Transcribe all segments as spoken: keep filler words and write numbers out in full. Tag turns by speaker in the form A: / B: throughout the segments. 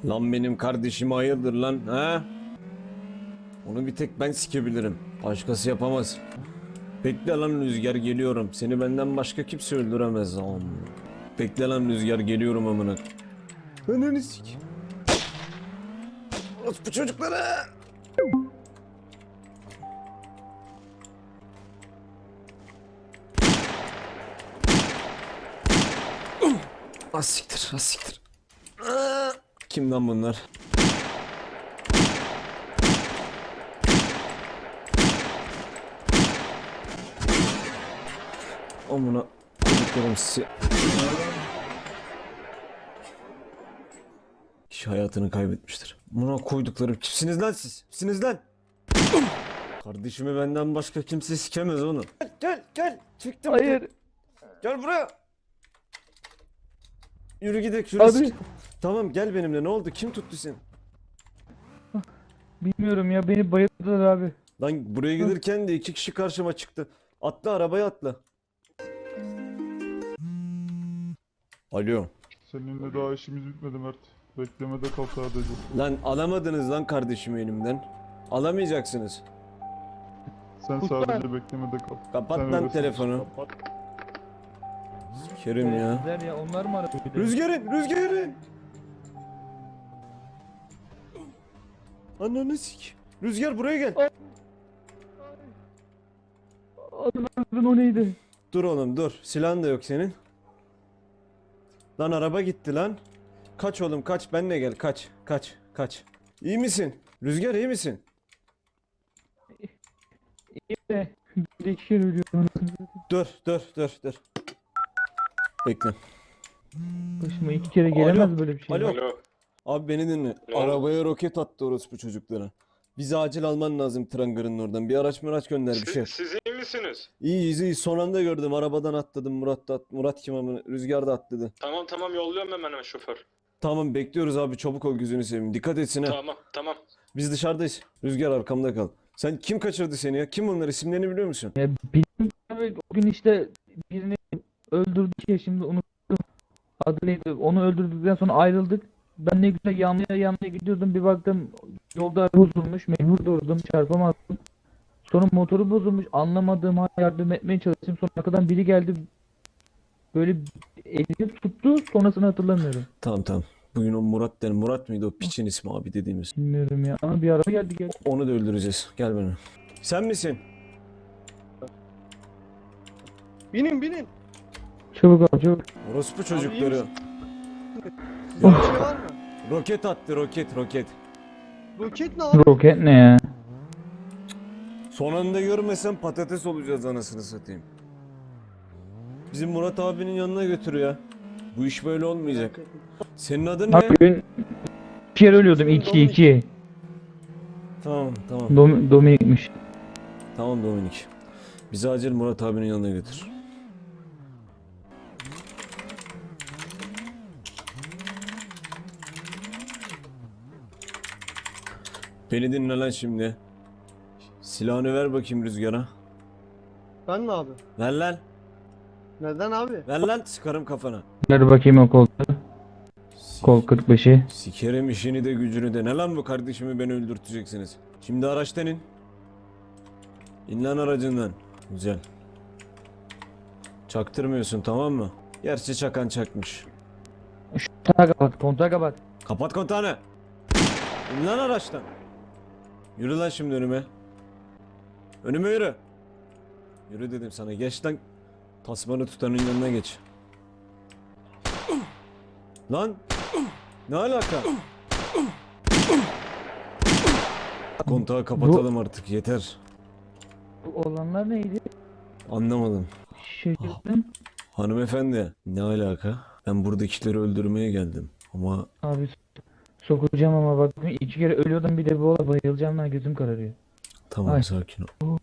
A: Lan benim kardeşime hayırdır lan ha? Onu bir tek ben sikebilirim. Başkası yapamaz. Bekle lan Rüzgar, geliyorum. Seni benden başka kimse öldüremez lan. Bekle lan Rüzgar, geliyorum amına. Ananı sik. Bu çocuklara. Az siktir, az siktir. Aa! Kim lan bunlar? Amına koyduklarım sizi. Kişi hayatını kaybetmiştir. Amına koyduklarım, kimsiniz lan siz? Kimsiniz lan? Kardeşimi benden başka kimse sikemez onu. Gel gel gel. Çıktım.
B: Hayır.
A: Gel buraya. Yürü gidelim yürü.
B: Abi.
A: Sik. Tamam gel benimle, ne oldu? Kim tuttu seni?
B: Bilmiyorum ya, beni bayılttılar abi.
A: Lan buraya gelirken de iki kişi karşıma çıktı. Atla, arabaya atla. Alo.
C: Seninle daha işimiz bitmedi Mert. Beklemede kal sadece.
A: Lan alamadınız lan kardeşimi elimden. Alamayacaksınız.
C: Sen
B: Kurtar.
C: sadece beklemede kal.
A: Kapat
C: Sen
A: lan
C: öylesin.
A: telefonu.
C: Kapat.
A: Kerim ya.
B: Güzel ya, onlar mı aradı? bir de?
A: Rüzgar'ın, Rüzgar'ın. Ananı sik. Rüzgar buraya gel.
B: Adın adın o neydi?
A: Dur oğlum dur. Silahın da yok senin. Lan araba gitti lan. Kaç oğlum kaç, benle gel, kaç kaç kaç. İyi misin? Rüzgar iyi misin?
B: İyi de bir iki kere ölüyorum.
A: Dur dur dur dur. Bekle.
B: Başıma iki kere gelemez
A: Alo,
B: böyle bir şey.
A: alo.
D: Alo.
A: Abi beni dinle.
D: Ne oldu?
A: Arabaya roket attı orospu çocuklara. Bizi acil alman lazım Trangar'ın oradan. Bir araç mıraç gönder bir şey.
D: Siz, siz iyi misiniz?
A: İyiyiz iyi. Son anda gördüm. Arabadan atladım. Murat da at- Murat kim ama Rüzgar da atladı.
D: Tamam tamam yolluyorum hemen hemen şoför.
A: Tamam bekliyoruz abi. Çabuk ol gözünü seveyim. Dikkat etsin ha.
D: Tamam tamam.
A: Biz dışarıdayız. Rüzgar arkamda kal. Sen kim kaçırdı seni ya? Kim bunlar? İsimlerini biliyor musun?
B: Ya bilmiyorum abi, o gün işte birini öldürdük ya, şimdi unuttum. Adı neydi? Onu öldürdükten sonra ayrıldık. Ben ne güzel yanlıya yanlıya gidiyordum, bir baktım yolda araba bozulmuş, mecbur durdum, çarpamazdım. Sonra motoru bozulmuş, anlamadığım halde yardım etmeye çalıştım. Sonra arkadan biri geldi, böyle elini tuttu, sonrasını hatırlamıyorum.
A: Tamam tamam. Bugün o Murat den Murat mıydı o piçin ismi abi dediğimiz.
B: Bilmiyorum ya, ama bir araba geldi geldi.
A: Onu da öldüreceğiz. Gel benimle. Sen misin?
E: Binin binin.
B: Çabuk al çabuk.
A: Orospu çocukları.
E: misin?
A: Ya,
E: Bir şey var mı?
A: roket attı roket roket.
E: Roket ne abi?
B: Roket ne ya?
A: Son anda görmesem patates olacağız anasını satayım. Bizim Murat abinin yanına götür ya. Bu iş böyle olmayacak. Senin adın ne?
B: Abi ben bir kere ölüyordum, iki iki.
A: Tamam tamam.
B: Dom Dominik'miş.
A: Tamam Dominik. Bizi acil Murat abinin yanına götür. Beni dinle lan şimdi. Silahını ver bakayım Rüzgar'a.
E: Ben mi abi?
A: Ver lan.
E: Neden abi?
A: Ver lan, sıkarım kafana.
B: Ver bakayım o koltuğu. Kol kırk beşi.
A: Sikerim işini de gücünü de. Ne lan bu, kardeşimi beni öldürteceksiniz. Şimdi araçtan in. İn lan aracından. Güzel. Çaktırmıyorsun tamam mı? Gerçi çakan çakmış.
B: Kontağı kapat, kontağı kapat.
A: Kapat kontağını. İn lan araçtan. Yürü lan şimdi önüme. Önüme yürü. Yürü dedim sana, geç lan. Tasmanı tutanın yanına geç. Lan. Ne alaka? Kontağı kapatalım artık, yeter.
B: Bu olanlar neydi?
A: Anlamadım.
B: Şaşırdım.
A: Hanımefendi, ne alaka? Ben buradakileri öldürmeye geldim. Ama
B: Abi sokacağım ama bak, iki kere ölüyordum, bir de bu olay, bayılacağım lan, gözüm kararıyor.
A: tamam
B: Ay.
A: sakin ol.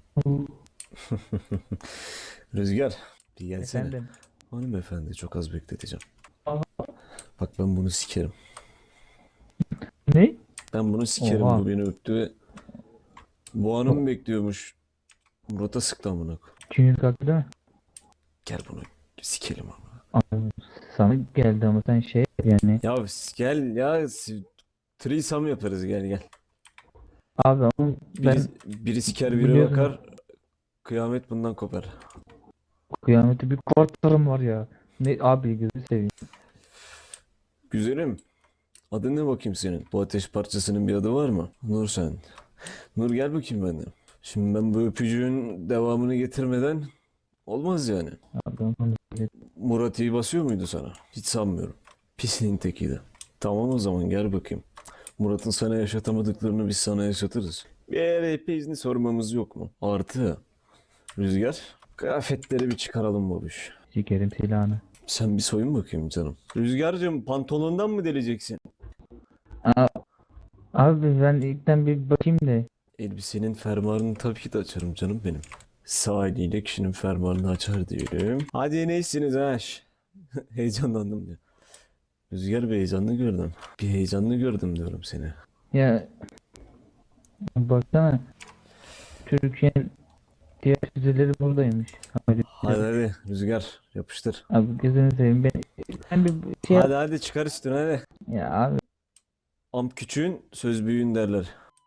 A: Rüzgar, bir gelsene.
B: Efendim.
A: Hanımefendi, çok az bekleteceğim.
B: Aha.
A: Bak ben bunu sikerim.
B: Ne?
A: Ben bunu sikerim,
B: Oha.
A: bu beni öptü ve bu hanım bekliyormuş. Murat'a sıktı amına koyayım.
B: Çünkü kalktı değil mi?
A: Gel bunu sikelim ama.
B: Abi sana geldi ama sen şey yani.
A: Ya gel ya, si- Threesome yaparız, gel gel.
B: Abi ama ben
A: Biri, biri siker biri
B: biliyorum.
A: bakar. Kıyamet bundan kopar.
B: kıyameti bir korkarım var ya. Ne abi gözü seveyim.
A: Güzelim. Adın ne bakayım senin? Bu ateş parçasının bir adı var mı? Nur sen. Nur gel bakayım benden. Şimdi ben bu öpücüğün devamını getirmeden olmaz yani.
B: Abi onu
A: Murat iyi basıyor muydu sana? Hiç sanmıyorum. Pisliğin tekiydi. Tamam o zaman gel bakayım. Murat'ın sana yaşatamadıklarını biz sana yaşatırız. Bir R P izni sormamız yok mu? Artı Rüzgar, kıyafetleri bir çıkaralım babuş.
B: sikerim silahını.
A: Sen bir soyun bakayım canım. Rüzgar'cığım pantolondan mı deleceksin?
B: Aa, abi ben ilkten bir bakayım da.
A: Elbisenin fermuarını tabii ki de açarım canım benim. Sağ eliyle kişinin fermuarını açar diyelim. Hadi neysiniz ha? Şş. Heyecanlandım ya. Rüzgar bir heyecanlı gördüm. Bir heyecanlı gördüm diyorum seni.
B: Ya baksana. Türkiye'nin diğer füzeleri buradaymış. Abi,
A: Hadi hadi Rüzgar yapıştır.
B: abi gözünü seveyim ben. Ben bir şey
A: Hadi hadi çıkar üstüne hadi.
B: ya abi
A: Amp küçüğün söz büyüğün derler.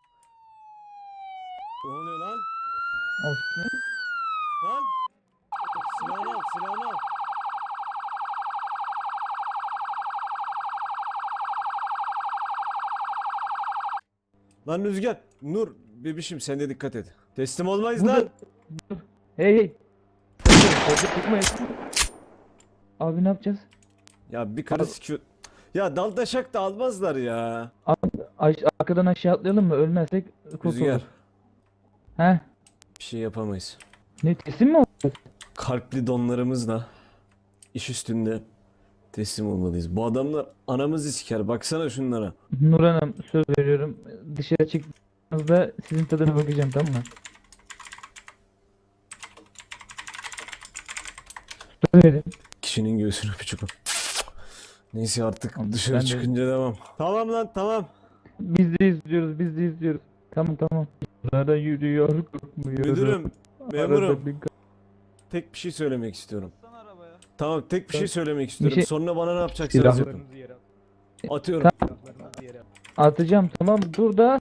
A: Ne oluyor lan?
B: olsun.
A: Lan! Silahını al, silahını al. Lan Rüzgar, Nur, bebişim sen de dikkat et. Teslim olmayız
B: Burada-
A: lan.
B: Hey hey. Orada çıkmayın. Abi ne yapacağız?
A: Ya bir karı sikiyor. Ya daldaşak da almazlar ya.
B: Abi aş arkadan aşağı atlayalım mı? Ölmezsek kurtuluruz.
A: Rüzgar,
B: He?
A: bir şey yapamayız.
B: Ne teslim mi olacağız?
A: Kalpli donlarımızla iş üstünde teslim olmalıyız. Bu adamlar anamızı siker. Baksana şunlara.
B: Nur Hanım söz veriyorum. Dışarı çıktığınızda sizin tadına bakacağım, tamam mı? Söz verin.
A: Kişinin göğsünü öpücük. Neyse artık
B: Tamam,
A: dışarı
B: ben de-
A: çıkınca devam. Tamam lan tamam.
B: Biz de izliyoruz, biz de izliyoruz. Tamam tamam. Arada yürüyor, korkmuyor.
A: Müdürüm,
B: Arada
A: memurum.
B: bir-
A: Tek bir şey söylemek istiyorum. Tamam tek bir şey söylemek
B: Bir
A: istiyorum.
B: şey-
A: Sonra bana ne yapacaksınız
B: Silah-
A: yapın. Atıyorum.
B: Atacağım, tamam dur da.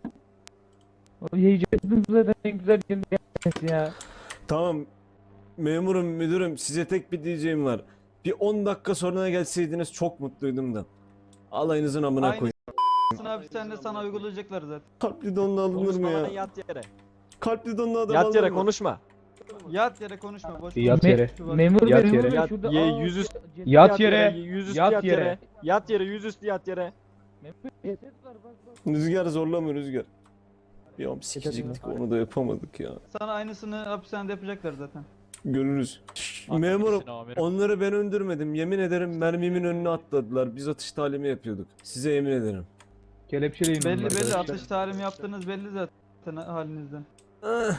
B: Yiyeceğiz zaten, en güzel yemek ya.
A: Tamam. Memurum, müdürüm size tek bir diyeceğim var. Bir on dakika sonra gelseydiniz çok mutluydum da. Alayınızın amına
F: Aynı
A: koyayım.
F: Abi sen de sana uygulayacaklar zaten.
A: Kalpli donla alınır mı
G: Konuşma
A: ya?
G: lan, yat yere.
A: Kalpli donla adam
G: Yat
A: alınır
G: yere
A: mı?
G: konuşma.
F: Yat yere konuşma boş.
H: Yat
F: konuş.
H: yere.
F: Şu bak-
B: Memur
H: Yat
B: bey, memur
H: yere.
B: bey
G: Yat-
B: şurada.
G: ye-
B: Aa,
G: yüzüstü-
B: ce-
H: Yat yere.
G: Yüzüstü
H: Yat
G: yat,
H: yere.
G: yere. Yat yere yüzüstü yat yere.
B: Memur bey, ses var, bak, bak.
A: Rüzgar zorlama Rüzgar. Ya sikecektik onu da yapamadık ya.
F: Sana aynısını hapishanede yapacaklar zaten.
A: Görürüz. Memurum onları ben öldürmedim. Yemin ederim mermimin önüne atladılar. Biz atış talimi yapıyorduk. Size yemin ederim.
H: Kelepçeleyim
F: Belli
H: bunu
F: belli
H: arkadaşlar.
F: atış tarihimi yaptığınız belli zaten halinizden.
A: Ah,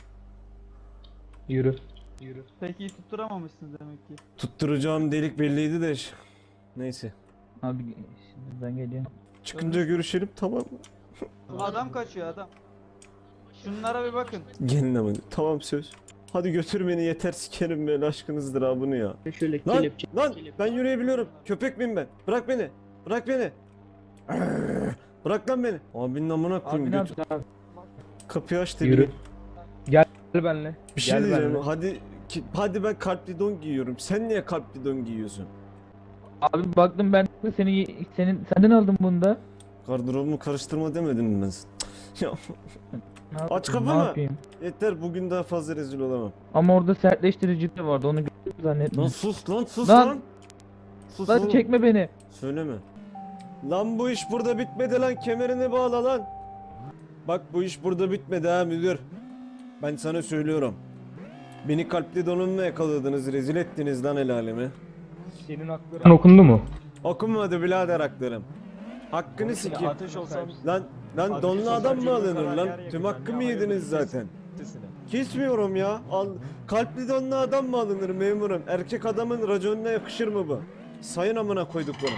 H: Yürü. Yürü.
F: Peki iyi tutturamamışsınız demek ki.
A: tutturacağım delik belliydi de. ş- Neyse.
B: Abi şimdi ben geliyorum.
A: Çıkınca görüşelim tamam mı?
F: Adam kaçıyor adam. Şunlara bir bakın.
A: Gelin ama. Tamam söz. Hadi götür beni yeter sikerim ben aşkınızdır ha bunu ya.
E: Şöyle
A: Lan
E: kelepçe.
A: lan ben yürüyebiliyorum. Köpek miyim ben? Bırak beni. Bırak beni. Arr, Bırak lan beni. Abinin amına
B: Abi
A: koyayım
B: ne
A: götür.
B: yapacağız abi?
A: Kapıyı aç da
H: Yürü.
A: bir-
H: Gel benimle.
A: Bir şey
H: Gel
A: diyeceğim.
H: benimle.
A: Hadi ki, hadi ben kalpli don giyiyorum. Sen niye kalpli don giyiyorsun?
B: Abi baktım ben seni senin senden aldım bunu da.
A: Gardırobumu karıştırma demedim mi ben? sana? Ya
B: Ne
A: Aç
B: yapayım,
A: kapını.
B: Ne yapayım?
A: yeter bugün daha fazla rezil olamam.
B: Ama orada sertleştirici de vardı, onu gördüm zannettim.
A: Lan sus lan sus
B: Lan!
A: lan. Sus
B: Lan
A: oğlum.
B: çekme beni.
A: Söyleme. Lan bu iş burada bitmedi lan, kemerini bağla lan. Bak bu iş burada bitmedi ha müdür. Ben sana söylüyorum. Beni kalpli donunla yakaladınız, rezil ettiniz lan el alemi.
H: Senin hakların okundu mu?
A: Okunmadı birader haklarım. Hakkını sikeyim.
G: Ateş olsam
A: Lan lan
G: Ateş
A: donlu
G: olsam
A: adam mı
G: cebime
A: alınır
G: kadar
A: lan?
G: yer
A: Tüm
G: yakacağım
A: hakkımı
G: ya,
A: yediniz
G: hayırlı
A: zaten.
G: sesine.
A: Kesmiyorum ya. Al, kalpli donlu adam mı alınır memurum? Erkek adamın raconuna yakışır mı bu? Sayın amına koyduk bunu.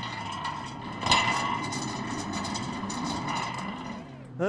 A: He?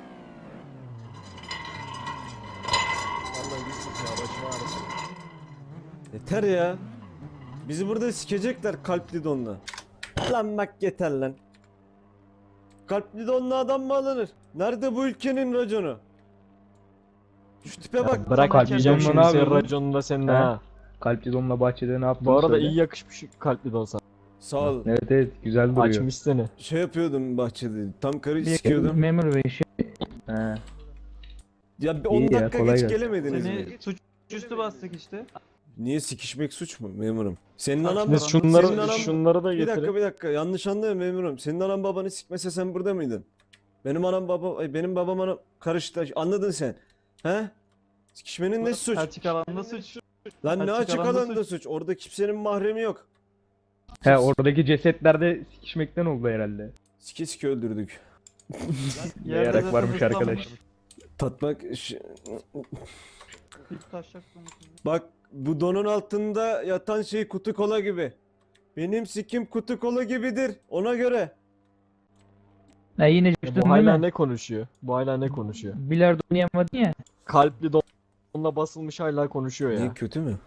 G: Vallahi bir sus ya, başıma ağrısın.
A: Yeter ya. Bizi burada sikecekler kalpli donla. Lan bak yeter lan. Kalpli donlu adam mı alınır? Nerede bu ülkenin raconu? Şu tipe bak.
G: Bırak
H: kalp
G: diyeceğim
H: yiyeceğim,
G: şimdi
H: ne
G: senin
H: yapıyordun?
G: raconunu da senin
H: He?
G: ha.
H: Kalpli donla bahçede ne yaptın?
G: Bu arada
H: söyle.
G: iyi yakışmış kalpli don sana.
A: Sağ ol.
H: Evet evet güzel duruyor.
G: Açmış seni.
A: Şey yapıyordum bahçede. Tam karı
B: Bir
A: sikiyordum.
B: memur bey şey.
H: He.
A: Ya bir
H: İyi
A: on
H: ya,
A: dakika
H: kolay
A: geç
H: gelsin.
A: gelemediniz mi?
F: Seni suçüstü bastık işte.
A: Niye sikişmek suç mu memurum? Senin
F: Kaç
A: anan
G: Biz
F: Senin
G: şunları
A: anan-
G: şunları da
A: Bir dakika
G: getirin.
A: bir dakika yanlış anlıyorum memurum. Senin anan babanı sikmese sen burada mıydın? Benim anam baba ay, benim babam anam karıştı. Anladın sen. He? Sikişmenin ne suç?
F: Açık alanda suç.
A: Lan ne
F: açık
A: açık
F: alanda
A: alanda suç? Orada kimsenin mahremi yok.
H: He oradaki cesetlerde sikişmekten oldu herhalde.
A: Sike sike öldürdük.
H: Ne yarak varmış arkadaş.
A: Tatmak ş-
F: Hiç taşacak mısın?
A: Bak bu donun altında yatan şey kutu kola gibi. Benim sikim kutu kola gibidir. Ona göre.
B: Ha yine
G: Ya
B: coştun
G: bu
B: değil
G: hala
B: mi?
G: ne konuşuyor? Bu hala ne konuşuyor?
B: Bilardo oynayamadın ya.
G: Kalpli donla basılmış hala konuşuyor
A: Niye
G: ya.
A: kötü mü?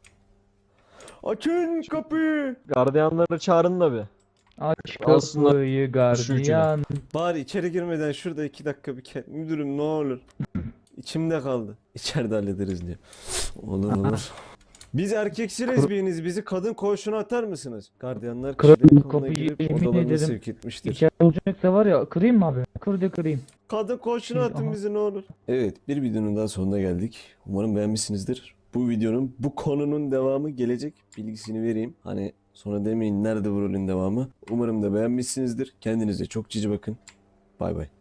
A: Açın kapıyı.
G: Gardiyanları çağırın da bir.
B: Aç
G: Alsınlar
B: kapıyı
G: şu üçünü.
B: gardiyan.
A: Bari içeri girmeden şurada iki dakika bir ke- müdürüm ne olur. İçimde kaldı. İçeride hallederiz diye. Olur olur. Biz erkeksi lezbiyeniz. Bizi kadın koğuşuna atar mısınız? Gardiyanlar
B: Kırarım
A: kişilerin koluna
B: kapıyı,
A: girip
B: yemin
A: odalarına
B: ederim.
A: sevk etmiştir.
B: İçeride olacaksa var ya kırayım mı abi? Kır de kırayım.
A: Kadın koğuşuna atın
B: Aha.
A: bizi ne olur. Evet bir videonun daha sonuna geldik. Umarım beğenmişsinizdir. Bu videonun bu konunun devamı gelecek. Bilgisini vereyim. Hani sonra demeyin nerede bu rolün devamı. Umarım da beğenmişsinizdir. Kendinize çok cici bakın. Bay bay.